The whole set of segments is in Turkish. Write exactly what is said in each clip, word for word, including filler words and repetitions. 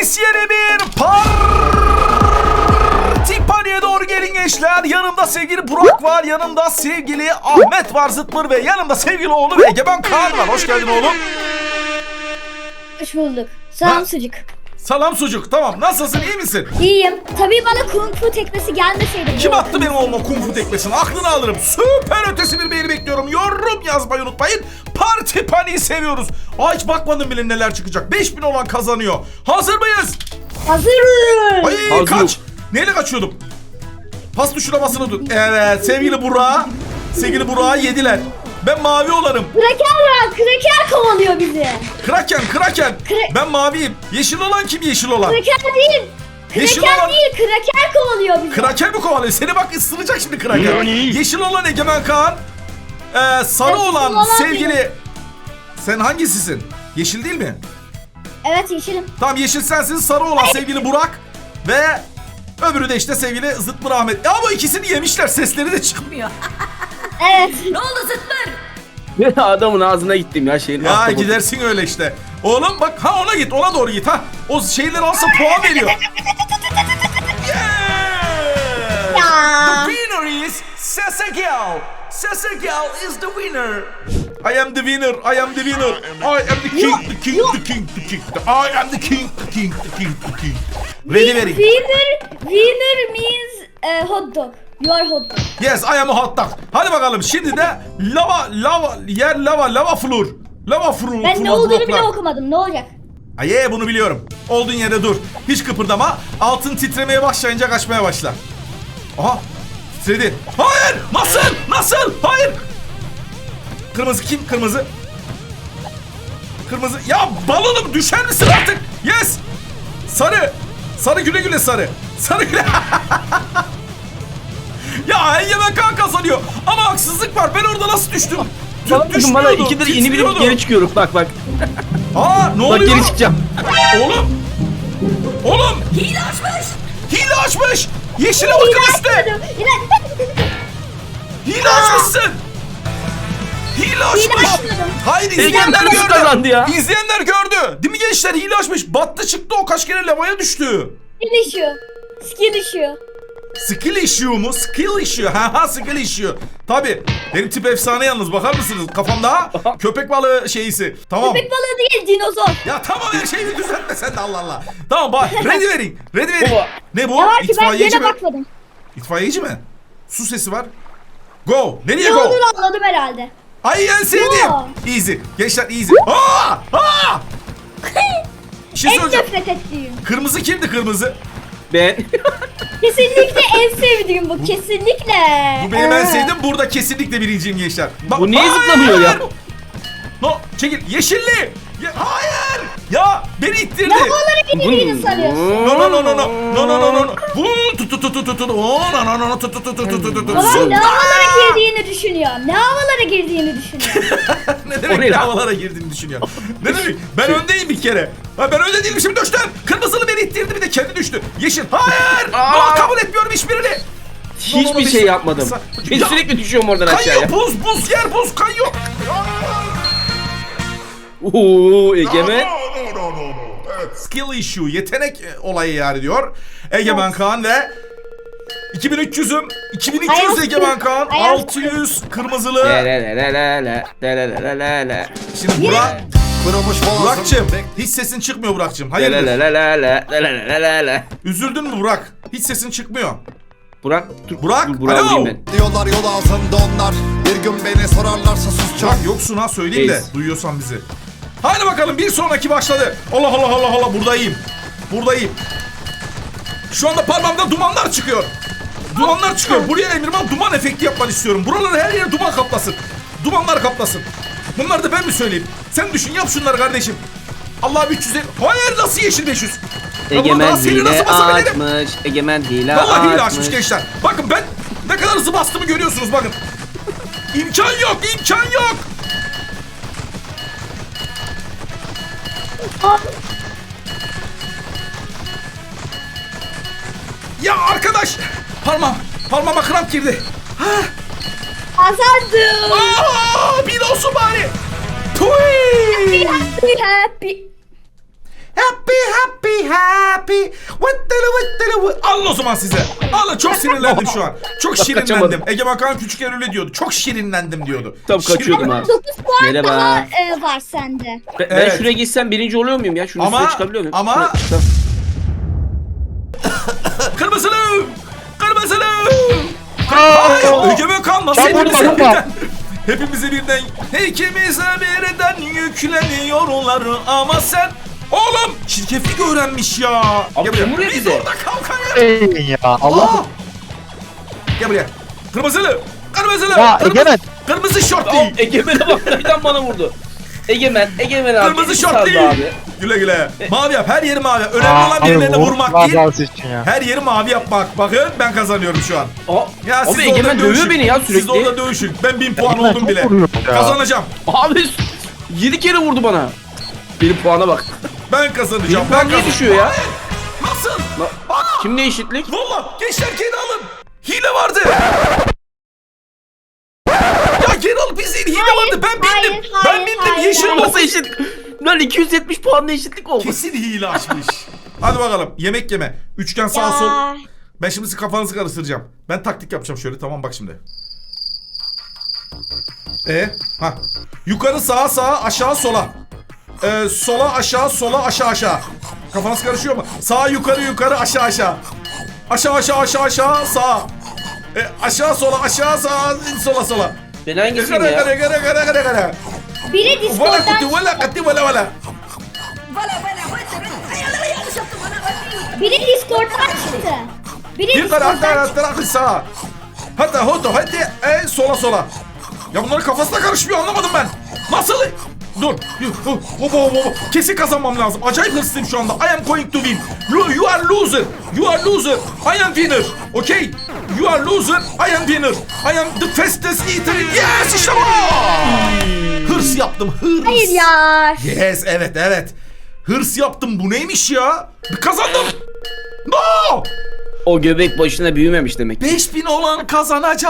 Yes yeni bir parti paniğe doğru gelin gençler. Yanımda sevgili Burak var. Yanımda sevgili Ahmet var, Zıtmır ve yanımda sevgili oğlum Egemen Kaan var. Hoş geldin oğlum. Hoş bulduk. Selam Ha? sucuk. Selam sucuk. Tamam. Nasılsın? İyi misin? İyiyim. Tabii bana kung fu tekmesi gelmeseydi. Kim attı benim oğluma kung fu tekmesini? Aklını alırım. Süper ötesi bir beğeni bekliyorum. Yorum yazmayı unutmayın. Parti paniği seviyoruz. Aa, hiç bakmadım bile neler çıkacak. beş bin olan kazanıyor. Hazır mıyız? Hazırım. Ay Hazır. kaç. Neyle kaçıyordum? Pas tuşuna basılı tut. Evet sevgili Burak. Sevgili Burak'ı yediler. Ben mavi olanım. Kraker var. Kraker kovalıyor bizi. Kraken, Kraken. Kra- Ben maviyim. Yeşil olan kim yeşil olan? Kraker değil. Yeşil Kraker olan- değil. Kraker kovalıyor bizi. Kraken mi kovalıyor? Seni bak ısıracak şimdi Kraken. Yani. Yeşil olan Egemen Kaan. Ee, sarı Yeşil olan olan sevgili... Sen hangisisin? Yeşil değil mi? Evet yeşilim. Tamam yeşil sensin. Sarı olan sevgili Burak. Ve öbürü de işte sevgili Zıtmır Ahmet. Ya bu ikisini yemişler. Sesleri de çıkmıyor. Evet. Ne oldu Zıtmır? Adamın ağzına gittim ya şeyin. Ya ahtapotun. gidersin öyle işte. Oğlum bak ha ona git, ona doğru git ha. O şeyleri alsa puan veriyor. Yeah! Ya. The winner is Sesagel. Sesagel is the winner. I am the winner. I am the winner. I am the king, the king, the king, the king. I am the king, the king, the king, the king. Ready, ready. Winner, winner means uh, hot dog. You are hot dog. Yes, I am a hot dog. Hadi bakalım şimdi de lava, lava, yer lava, lava floor. Lava floor. Ben ne floor olduğunu bloklar. bile okumadım. Ne olacak? Aye bunu biliyorum. Olduğun yerde dur. Hiç kıpırdama. Altın titremeye başlayınca kaçmaya başla. Aha. Titredi. Hayır. Nasıl? Nasıl? Hayır. Kırmızı kim? Kırmızı. Kırmızı. Ya balonum düşer misin artık? Yes. Sarı. Sarı güle güle sarı. Sarı güle. Ya Egemen Kaan kazanıyor. Ama haksızlık var. Ben orada nasıl düştüm? Bana bakın bana ikidir yeni bir geri çıkıyorum bak bak. Aa ne Bak oluyor? geri çıkacağım. Oğlum. Oğlum. Hile açmış. Hile açmış. Yeşile bakın üstte. Hile açmışsın. Hile açmış. açmadım. Hayır Egemen izleyenler nasıl gördü. kazandı ya? İzleyenler gördü. Değil mi gençler? Hile açmış. Battı çıktı o kaç kere lavaya düştü. Skill issue. Skill issue. Skill issue mu? Skill issue. Ha ha skill issue. Tabi. Benim tip efsane yalnız bakar mısınız? Kafamda köpek balığı şeyisi. Tamam. Köpek balığı değil dinozor. Ya tamam her şeyi düzeltme sen de Allah Allah. Tamam bak ready verin. Ready verin. Baba. Ne bu? Ne var ki ben İtfaiyeci gene mi? bakmadım. İtfaiyeci mi? Su sesi var. Go. Nereye Ne go? olduğunu anladım herhalde. Ay en sevdiğim. Go. Easy. Gençler easy. Aa! Aa! Bir şey En söyleyeceğim. nefret ettiğim. Kırmızı kimdi kırmızı? Ben. Kesinlikle en sevdiğim bu. Kesinlikle. Bu benim en Ee, sevdiğim. Burada kesinlikle birinciyim gençler. Bak- Bu niye Hayır! zıplamıyor ya? No çekil. Yeşilli. Ya, hayır. Ya beni ittirdi. Lavalara girdiğini sanıyorsun. No no no no no no no no no no. Bu tut tut tut tut tut. Oo no no no no tut tut tut tut tut tut. Babam ne havalara girdiğini düşünüyor. Ne havalara girdiğini düşünüyor. Ne O demek ne lan? havalara girdiğini düşünüyor. Ne demek? Ben öndeyim bir kere. Ha, ben önde değilmişim düştüm. Kırmızılı beni ittirdi bir de kendi düştü. Yeşil. Hayır. Aa! Aa, kabul etmiyorum hiçbirini. Hiçbir şey yapmadım. Ben Ya, sürekli düşüyorum oradan Kayıyor aşağıya. buz buz yer buz kayıyor. Oo Egemen. Skill issue yetenek e, olayı yani diyor. Egemen Kaan ve iki bin üç yüzüm iki bin iki yüz Ayaz Egemen kız, Kaan ayaz altı yüz kırmızılı. Le le le le le le le le le le. Şimdi Burak Kırılmış Burak'cığım boğazım. hiç sesin çıkmıyor Burak'cığım. Le Hayırdır? le le le le le le le le le. Üzüldün mü Burak? Hiç sesin çıkmıyor. Burak dur. Burak, dur, Burak'ı alo. vurayım ben. Diyorlar yol altında onlar. Bir gün beni sorarlarsa susacağım. Burak yoksun ha söyleyeyim de Reis. duyuyorsan bizi. Haydi bakalım bir sonraki başladı. Allah Allah Allah Allah buradayım. Buradayım. Şu anda parmağımda dumanlar çıkıyor. Dumanlar çıkıyor. Buraya Emirman duman efekti yapmanı istiyorum. Buraları her yere duman kaplasın. Dumanlar kaplasın. Bunları da ben mi söyleyeyim? Sen düşün yap şunları kardeşim. Allah üç yüz elli. Hayır nasıl yeşil beş yüz? Ya buna Egemen daha seni hile nasıl basabilirim? açmış. Egemen hile Vallahi hile açmış. açmış gençler. Bakın ben ne kadar hızlı bastığımı görüyorsunuz bakın. İmkan yok, imkan yok. Ya arkadaş, parmağım, parmağıma kramp girdi. Ha, Kazandım. aa, bir olsun bari. Tuy. Happy happy. Happy happy happy. happy. Vıttele vıttele vı. Alın o zaman size. Alın, çok sinirlendim şu an. Çok şirinlendim. kaçamadım. Egemen Kaan küçükken öyle diyordu. Çok şirinlendim diyordu. Tam Şirin- kaçıyordum abi. dokuz puan Merhaba. daha e, var sende. Ben, ben Evet. şuraya gitsem birinci oluyor muyum ya? Şunun Ama- üstüne çıkabiliyor muyum? ama- Tamam. Kırmızılı! Kırmızılı! Hayır, Egemen Kaan nasıl Çabuk hepimize vurma. birden? Hepimize birden, ikimize birden yükleniyorlar ama sen... Oğlum çirkeflik öğrenmiş ya. Abi Gel buraya. kim vuruyor Biz bize? orada kalkayız. Ey ya Allah. Aa! Gel buraya. Kırmızılı. Kırmızılı. Ya, Kırmızı, Egemen. Kırmızı Aa, şortli. Egemen'e bak birden bana vurdu. Egemen, Egemen abi. Kırmızı beni saldı şortli. abi. Güle güle. Mavi yap. Her yeri mavi yap. Önemli Aa, olan abi, birilerine vur- vurmak Allah değil. razı olsun ya. Her yeri mavi yapmak. Bakın ben kazanıyorum şu an. Aa, Ya siz abi orada Egemen dövüşün. dövüyor beni ya Siz sürekli. orada dövüşün. Ben bin puan Egemen oldum çok bile. vuruyor ya. Kazanacağım. Abi yedi kere vurdu bana. Benim puana bak. Ben kazanacağım. Benim Ben puan niye kazan- düşüyor ya? Nasıl? Na- Kimle eşitlik? Valla gençler geri alın. Hile vardı. Ya geri alıp izleyin. Hile Hayır, vardı. Ben hayır, bildim. hayır, Ben bildim. hayır, Yeşil hayır. oldu. Nasıl eşit? Lan iki yüz yetmiş puanla eşitlik oldu. Kesin hile açmış. Hadi bakalım. Yemek yeme. Üçgen sağ sol. Ya. Ben şimdi sizin kafanızı karıştıracağım. Ben taktik yapacağım şöyle. Tamam bak şimdi. E, ha. Yukarı sağa sağa aşağı sola. Ee, sola aşağı sola aşağı aşağı. Kafanız karışıyor mu? Sağa yukarı yukarı aşağı aşağı. Aşağı aşağı aşağı aşağı sağa. E, aşağı sola aşağı sağa sola sola. Ben hangisiyim Gara ya? gara gara gara gara gara. Biri Vela Discord'dan kutu vela kati vela vela. Biri Discord'dan çıktı. Biri Yukarı hatta Discord'dan hatta hatta sağa. Hatta hoto hadi e, sola sola. Ya bunların kafasına karışmıyor, anlamadım ben. Nasıl? Dur. Hop hop hop. Kesin kazanmam lazım. Acayip hırslıyım şu anda. I am going to win. You, you are loser. You are loser. I am winner. Okay? You are loser. I am winner. I am the fastest eater. Yes, işte bu. Hırs yaptım. Hırs. Hayır ya. Yes, evet evet. Hırs yaptım. Bu neymiş ya? Kazandım. No! O göbek başına büyümemiş demek. beş bin olan kazanacak.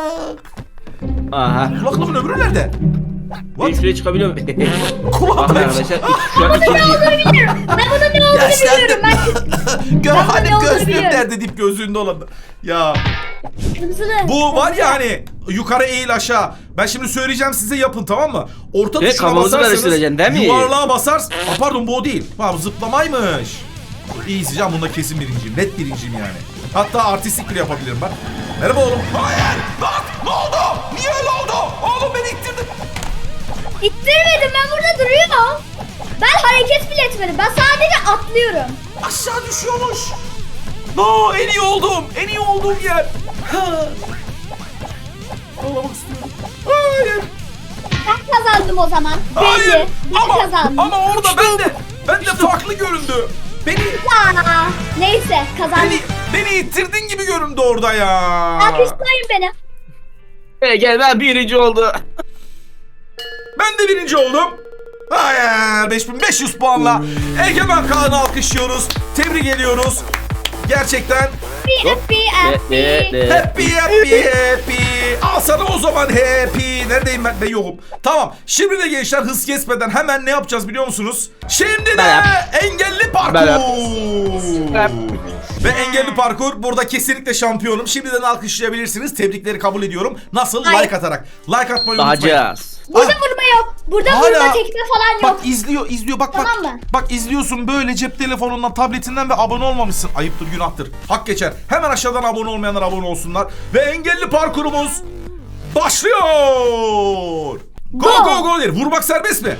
Aha. Kulaklığımın öbürü nerede? Ben What? şuraya çıkabiliyor muyum? Bakın Kulağım. arkadaşlar şu an ikinci. Biliyorum. Ben bunun ne olduğunu biliyorum. Ben Gör Ben hani ne olduğunu gözlüğüm biliyorum. nerede deyip gözlüğünde olan. Ya kırmızılı. bu var ya hani yukarı eğil aşağı. Ben şimdi söyleyeceğim size yapın, tamam mı? Orta Evet, tuşuna kafamızı basarsanız karıştıracaksın, değil mi? yuvarlığa basarsın. Aa, pardon bu o değil. Ha, bu zıplamaymış. İyi can, bunda kesin birinciyim. Net birinciyim yani. Hatta artistik bile yapabilirim bak. Merhaba oğlum. Hayır. Bak ne oldu? Niye öyle oldu? Oğlum beni ittirdin. İttirmedim, ben burada duruyorum. Ben hareket bile etmedim. Ben sadece atlıyorum. Aşağı düşüyormuş. No, en iyi oldum. En iyi olduğum yer. Ha. Ağlamak istiyorum. Hayır. Ben kazandım o zaman. Hayır. Belli. Ben Ama, kazandım. ama orada ben de ben de farklı göründü. Beni Aa, neyse kazandım. beni beni ittirdin gibi göründü orada ya. Alkışlayın beni. Hey, gel ben birinci oldu. Ben de birinci oldum. Hayır, beş bin beş yüz puanla Egemen Kaan'ı alkışlıyoruz. Tebrik ediyoruz. Gerçekten Happy happy happy. Ne, ne, ne. happy happy happy. Al sana o zaman happy. Neredeyim ben? Ben yokum. Tamam. Şimdi de gençler hız kesmeden hemen ne yapacağız biliyor musunuz? Şimdi de Ben yap. engelli parkur. Ben yap. Yap. Ve engelli parkur burada kesinlikle şampiyonum. Şimdiden alkışlayabilirsiniz. Tebrikleri kabul ediyorum. Nasıl? Hayır. Like atarak. Like atmayı unutmayın. Bakacağız. Burada vurma yok. Burada Hala- vurma tekme falan yok. Bak izliyor, izliyor. Bak bak. Tamam mı? Bak izliyorsun böyle cep telefonundan, tabletinden ve abone olmamışsın. Ayıptır, günahtır. Hak geçer. Hemen aşağıdan abone olmayanlar abone olsunlar. Ve engelli parkurumuz başlıyor. Go Go. go go der. Vurmak serbest mi?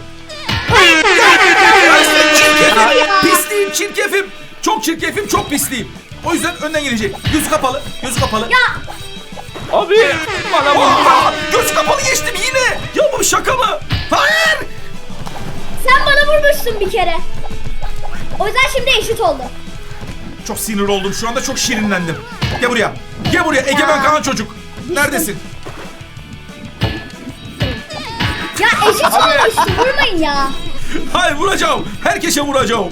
Çirkefim, pisliyim, çirkefim. Çok çirkefim, çok pisliyim. O yüzden önden gelecek. Gözü kapalı, gözü kapalı. Ya Abi bana vurdu. Aa, göz kapalı geçtim yine. Ya bu bir şaka mı? Hayır. sen bana vurmuştun bir kere. O yüzden şimdi eşit oldu. Çok sinir oldum şu anda, çok şirinlendim. Gel buraya. Gel buraya Egemen Kaan çocuk. Neredesin? Ya eşit oldu işte, vurmayın ya. Hayır, vuracağım. Herkese vuracağım.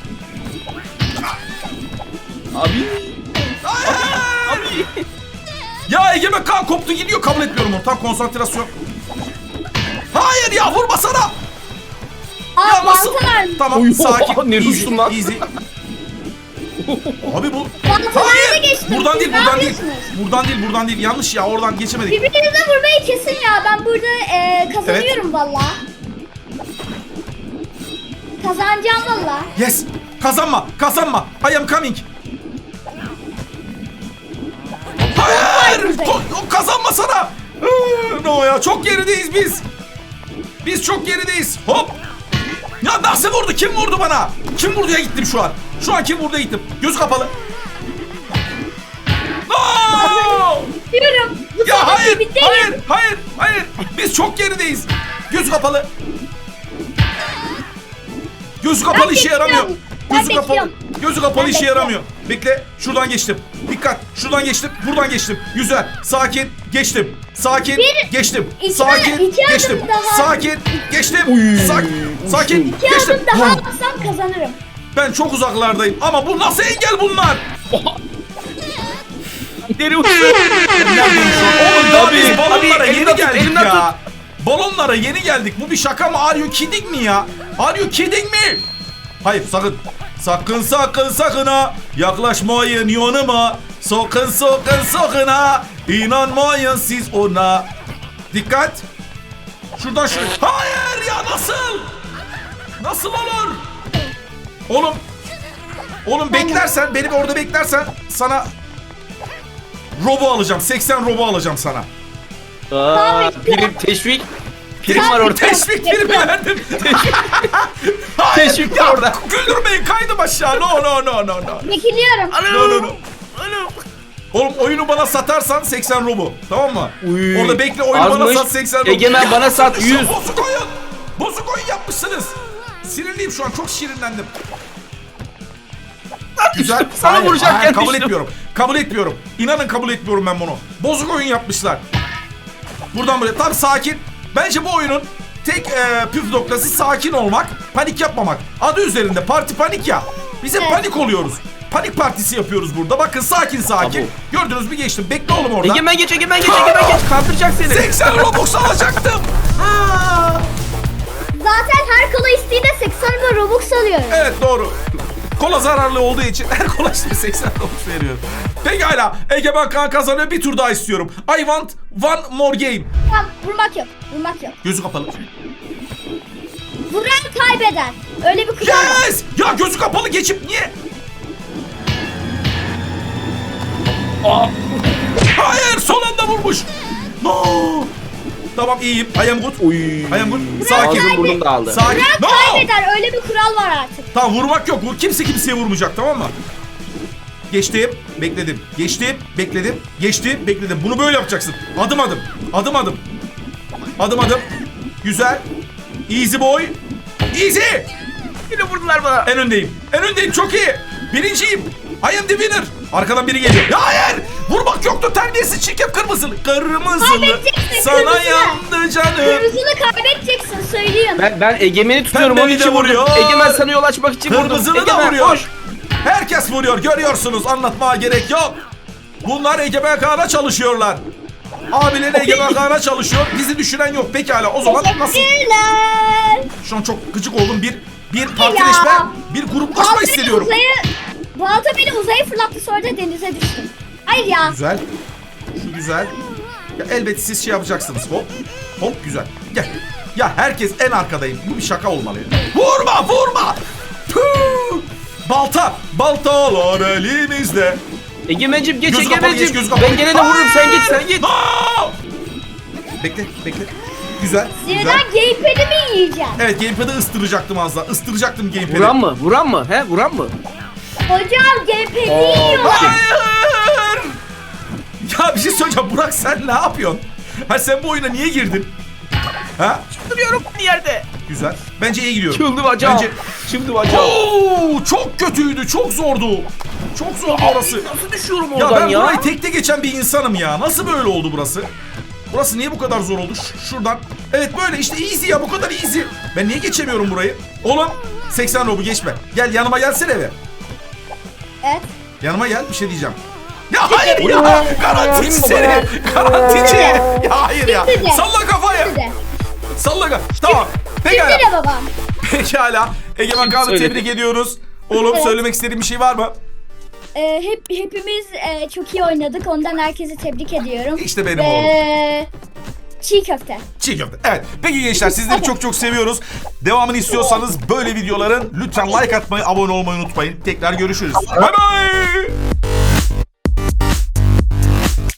Abi. Hayır. Ya Egemen Kaan koptu gidiyor, kabul etmiyorum onu. Tam konsantrasyon. Hayır ya, vurmasana. Aa Ya nasıl? mantılar. Tamam, Oy, sakin. ne Easy, düştüm lan? easy. Abi bu... Baltalarda geçtim. Buradan değil, Siz buradan ne değil. yapıyorsunuz? Buradan değil, buradan değil. Yanlış ya, oradan geçemedik. Birbirinize vurmayı kesin ya. Ben burada e, kazanıyorum valla. Kazanacağım valla. Yes. Kazanma, kazanma. I am coming. Hayır. Ko- o kazanma sana. Iıı, No ya, çok gerideyiz biz. Biz çok gerideyiz. Hop. Ya nasıl vurdu? Kim vurdu bana? Kim vurduya gittim şu an? Şu an kim vurduya gittim? Göz kapalı. No! Diyorum. Bu Ya sefer hayır, bitteyim. hayır, hayır, hayır. Biz çok gerideyiz. Göz kapalı. Gözü kapalı Ben işe yaramıyor. bekliyorum. Ben Gözü kapalı. bekliyorum. Gözü kapalı Ben işe bekliyorum. yaramıyor. Bekle. Şuradan geçtim. Dikkat. Şuradan geçtim. Buradan geçtim. Güzel. Sakin. Geçtim. Sakin. Bir- geçtim. iki- Sakin. iki adım geçtim. daha. Sakin. Geçtim. Sakin. Sakin. İki Geçtim. adım daha atsam kazanırım. Ben çok uzaklardayım. Ama bu nasıl engel bunlar? Deri uçtu. Oğlum daha Abi, biz balonlara abi, yeni elimden tut, geldik elimden ya. Balonlara yeni geldik. Bu bir şaka mı? Are you kidding mi ya? Are you kidding mi? Hayır, sakın. Sakın sakın sakın ha. Yaklaşmayın yanıma. Sakın sakın sakın ha. İnanmayın siz ona. Dikkat. Şuradan şuraya. Hayır ya, nasıl? Nasıl olur? Oğlum. Oğlum beklersen, beni orada beklersen sana robo alacağım. seksen robo alacağım sana. Aa, prim, teşvik. Prim var orada. Teşvik primi verdim. Teşvik ya, var orada. güldürmeyin, kaydım aşağı. No no no no no. Çekiliyorum. No no no. Alo. Oğlum oyunu bana satarsan seksen robo. Tamam mı? Uy, Orada bekle, oyunu bana azmış. sat seksen robo. Egemen Ya, bana sat şu yüz. Bozuk oyun. Bozuk oyun yapmışsınız. Sinirliyim şu an, çok şirinlendim. Güzel. Sana Hayır, vuracakken hayır, kabul düştüm. etmiyorum. Kabul etmiyorum. İnanın kabul etmiyorum ben bunu. Bozuk oyun yapmışlar. Buradan buraya. Tam sakin. Bence bu oyunun tek e, püf noktası sakin olmak, panik yapmamak. Adı üzerinde parti panik ya. Biz hep Evet. panik oluyoruz. Panik partisi yapıyoruz burada. Bakın sakin sakin. Tabu. Gördünüz mü, geçtim. Bekle oğlum orada. Egemen geç, Egemen geç, Egemen geç. Kandıracak seni. seksen Robux alacaktım. Aa! Zaten her kola isteğinde seksen bin Robux alıyorum. Evet, doğru. Kola zararlı olduğu için her kola işte seksen Robux veriyorum. Pekala. Egemen Kaan kazanıyor. Bir tur daha istiyorum. I want one more game. Tamam, vurmak yok. Vurmak yok. Gözü kapalı. Vuran kaybeder. Öyle bir kural var. Yes! Ya gözü kapalı geçip niye? Hayır, son anda vurmuş. No. Tamam, iyiyim. I am good. Uy. I am good. Sakin. Ağzım burnum dağıldı. Sakin. Vuran No. kaybeder. Öyle bir kural var artık. Tamam, vurmak yok. Vur. Kimse kimseye vurmayacak, tamam mı? Geçtim, bekledim. Geçtim, bekledim. Geçtim, bekledim. Bunu böyle yapacaksın. Adım adım. Adım adım. Adım adım. Güzel. Easy boy. Easy. Yine vurdular bana. En öndeyim. En öndeyim, çok iyi. Birinciyim. I am the winner. Arkadan biri geliyor. Ya hayır. Vurmak yoktu, terbiyesiz, çirkef, kırmızılı. Kırmızılı. Kaybedeceksin, Sana kırmızılı. yandı canım. Kırmızını kaybedeceksin, söyleyeyim. Ben, ben Egemen'i tutuyorum, Pembeli onun için de vurdum. vuruyor. Egemen sana yol açmak için vurdum. Kırmızılı da Egemen, vuruyor. koş. Herkes vuruyor, görüyorsunuz. Anlatmaya gerek yok. Bunlar Egemen Kaan'a çalışıyorlar. Abileri Egemen Kaan'a çalışıyor. Bizi düşünen yok. Pekala, o zaman nasıl? Teşekkürler. Şu an çok gıcık oldum. Bir bir partileşme, Ya. bir gruplaşma Balta beni hissediyorum. uzaya, balta beni uzaya fırlattı, sonra da denize düştüm. Hayır ya. Güzel. Şu güzel. Ya elbet siz şey yapacaksınız. Hop. Hop, güzel. Gel. Ya herkes en arkadayım. Bu bir şaka olmalı. Vurma, vurma. Tüh! Balta. Baltalar elimizde. Egemen'cim geç, Gözü kapalı, geç, Egemen'cim. gözü kapalı. Ben gene de vururum, sen git, sen git. No! Bekle, bekle. Güzel. Sinirden Güzel. gamepad'i mi yiyeceğim? Evet, gamepad'ı ıstıracaktım az daha. Istıracaktım gamepad'i. Vuran mı? Vuran mı? He, vuran mı? Hocam gamepad'i Aa, yiyorlar. Hayır! Ya bir şey söyleyeceğim. Burak, sen ne yapıyorsun? Ha, sen bu oyuna niye girdin? Ha? Duruyorum bir yerde. Güzel. Bence iyi gidiyorum. Çıldı bacağım. Bence... Çıldı bacağım. Oo, çok kötüydü. Çok zordu. Çok zordu orası. Nasıl düşüyorum Ya oradan ben ya? burayı tekte geçen bir insanım ya. Nasıl böyle oldu burası? Burası niye bu kadar zor oldu? Ş- şuradan. Evet, böyle işte easy ya, bu kadar easy. Ben niye geçemiyorum burayı? Oğlum, seksen robu geçme. Gel yanıma, gelsene be. Evet. Yanıma gel, bir şey diyeceğim. Ya hayır ya. Garantici seni. Garantici. Ya hayır ya. Bitti de. Salla kafayı. Bitti de. Salla kafayı. Tamam. Bitti Pekala. de babam. Pekala. Egemen Kaan'ı Söyle. tebrik ediyoruz. Oğlum, Evet. söylemek istediğin bir şey var mı? e, hep hepimiz e, çok iyi oynadık. Ondan herkesi tebrik ediyorum. İşte benim Ve... oğlum. Çiğ köfte. Çiğ köfte. Evet. Peki gençler, sizleri çok çok seviyoruz. Devamını istiyorsanız böyle videoların lütfen like atmayı, abone olmayı unutmayın. Tekrar görüşürüz. Bay bay.